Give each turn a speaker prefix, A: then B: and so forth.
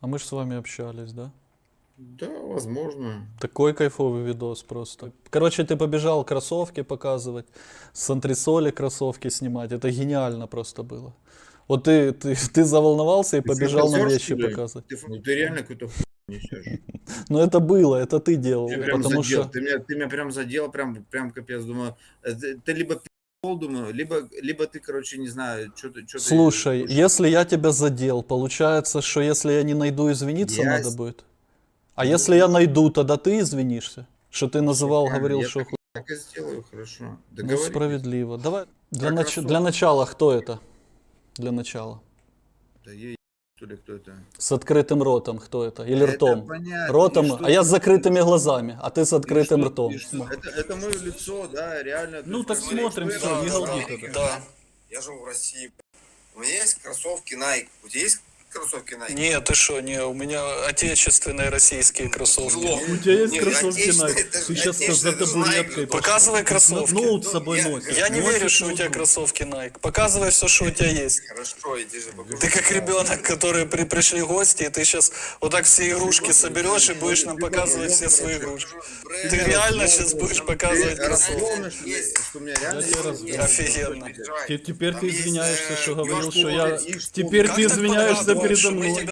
A: А мы же с вами общались, да?
B: Да, возможно.
A: Такой кайфовый видос просто. Короче, ты побежал кроссовки показывать, с антресоли кроссовки снимать. Это гениально просто было. Вот ты заволновался и
B: Ты
A: побежал нам
B: фантазер,
A: вещи
B: что ли?
A: показывать.
B: Ну ты реально какую-то хуйню несешь.
A: Но это было, это ты делал,
B: Ты прям
A: потому
B: задел.
A: что...
B: Ты меня прям задел, прям капец. Думаю, ты либо пи***л, думаю, либо ты, короче, не знаю, что ты.
A: Слушай, если я тебя задел, получается, что если я не найду, извиниться
B: Я
A: надо будет? А
B: Ну,
A: если я найду, тогда ты извинишься? Что ты называл,
B: правильно,
A: говорил,
B: я
A: что...
B: так и сделаю, хорошо.
A: Ну,
B: Договорились.
A: справедливо. Давай,
B: Про
A: для
B: кроссовки.
A: начала, кто это? Для начала.
B: Да ей, что ли, кто это?
A: С открытым ротом, кто это? Или
B: Это
A: ртом?
B: понятно.
A: Ротом,
B: И что
A: а я
B: ты-
A: с закрытыми глазами, а ты с
B: и
A: открытым
B: что-
A: ртом.
B: и что? Это мое лицо, да, реально.
A: Ну,
B: есть,
A: так
B: как бы,
A: смотрим,
B: что я
A: всё, не
B: должен
A: галди
B: делать?
A: тогда.
C: Да. Я живу в России. У меня есть кроссовки Nike. У тебя есть кроссовки Nike?
A: Нет, ты что, не, у меня отечественные российские кроссовки.
C: У
A: тебя есть
C: Не,
A: кроссовки
C: отечественные,
A: Nike?
C: это же
A: Ты сейчас за
C: отечественные, это же
A: табуреткой
C: Nike.
A: Показывай кроссовки.
C: Ноут с собой
A: Я
C: носишь.
A: не верю, что у тебя кроссовки Nike. Показывай все, что у тебя есть.
C: Хорошо, иди же покажу.
A: Ты как ребенок, который пришли гости, и ты сейчас вот так все игрушки соберешь и будешь нам показывать все свои игрушки. Ты реально сейчас будешь показывать
B: Ты
A: кроссовки?
B: разломишь, что у меня реально
A: тебя
B: есть
A: разломлю.
B: кроссовки.
A: Офигенно. Теперь ты извиняешься, что говорил,
B: что я...
A: Теперь ты извиняешься передо мной.